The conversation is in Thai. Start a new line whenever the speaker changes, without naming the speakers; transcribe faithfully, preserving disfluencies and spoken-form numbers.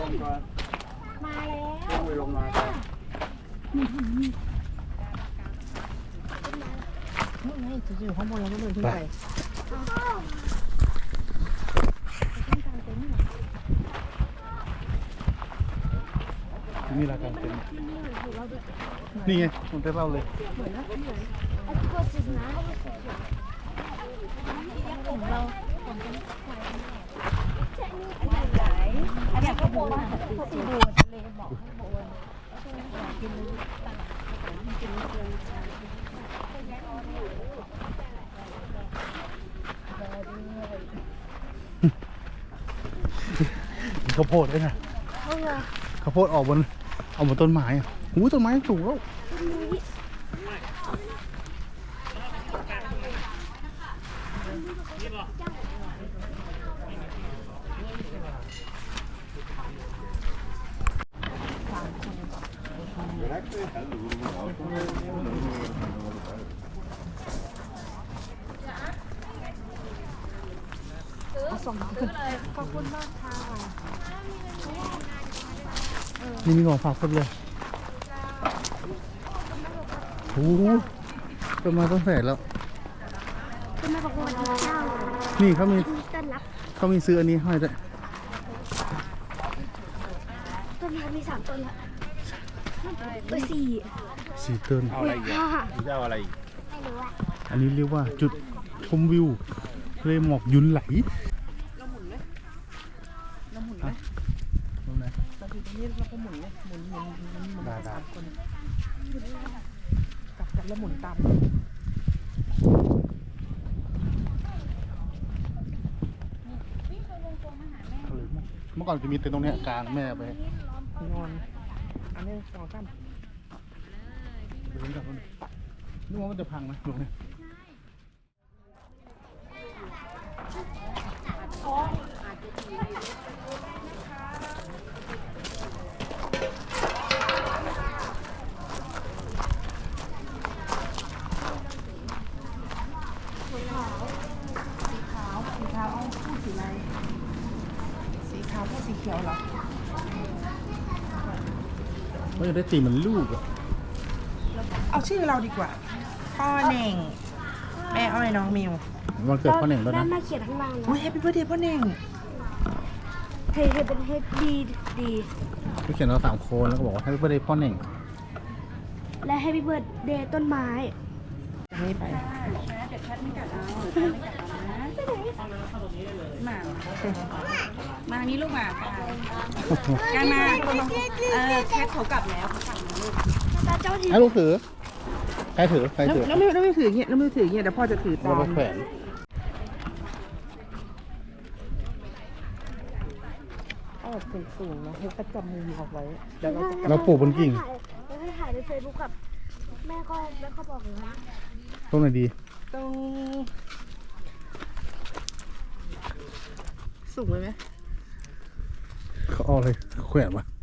มาแล้ว
ไปลงมาครับ
นู่นไงจะอยู่ข้างบนเราก็เดินขึ้นไป
นี่ละกันเป็นนี่ไงผมจะเล่าเลย
ของเราของเป็นควายอันใหญ่อันใหญ่ก็โบนสีดูทะเลบอกให้โบนกินตลาดกินเกิน
ข้าวโพดด้วยนะข้าวโพดออกบนออกบนต้นไม้หูต้นไม้สูงแล้ว
ขอบคุณมากค่ะ
นี่มีของฝากเพิ่มเลยโอ้โหต้นไม้ต้นแสนแล้ว
คุณแม่บอกว่าเจ้า
นี่เขามี
ต้นรับ
เขามีซื้ออันนี้ให้ด้วย
ต้นไม้มีสามต้นละเบอร์สี่
สี่ต้น
เอาอะไรอีกอ่ะ
จะเอาอะไรอีก
ไม่รู้อ่ะ
อันนี้เรียกว่าจุดชมวิวทะเลหมอกยุนไหล
เราหมุนไหมเราหมุนไหม
ตรงไหน
เราอยู่ตรงนี้เราก็หมุนเลยหมุนหมุนหมุนหมุน
ได้ได้
สามคนกลับกันแล้วหมุนตาม
เมื่อก่อนจะมีเต็นท์ตรงเนี้ยกลางแม่ไป
นอนอันนี้สองสาม
เดินกลับมานึกว่ามันจะพังนะตรงนี้
สีขาวเอาคู่สีอะไรสีขาวกับสีเขียวเหรอ
ว่าจะได้ตีเหมือนลูกอะ
เอาชื่อเราดีกว่าพ่อเน่งแม่อ้อยน้องมิว
วันเกิดพ่อเหน่งแล้ว
ด้า
นะ
นหน้าเขียนข้างล่าง
โอ้
นะ
ยแฮปปี้เบิร์ดเดย์พ่อเน่ง
เฮ้ยเป็นเฮดดีดี
เขาเขียนเราสามคนแล้วก็บอกว่าให้เพื่อนได้พ่อเหน่ง
และให้พี่เบิร์ดเดย์ต้นไม้
จะไม่ไป
มามาทางนี้ลูกมาการมาเออแคทเขากลับแล้วเขากลับแล้วลูก
ตาเจ้าที่
ให้ลูกถือใครถือใคร
แล้ว
ถือ
แล้วไม่แล้วไม่ถืออย่างเงี้ยแล้วไม่ถืออย่างเงี้ยเดี๋ยวพ่อจะถือตา
เราไป
ม
แขวน
เอาแบบสูงๆนะให้ประจำมุมเอาไว้เดี๋ยวเราจะ
เราปลูกบนกิ่ง
แล้วให้ถ่ายในเฟซบุ๊กกับแม่ก็แม่ก็บอกเลยว่า
ตรงไหนดี
ตรงสูงไปไหม
เขาเอาอะไรแขวนวะ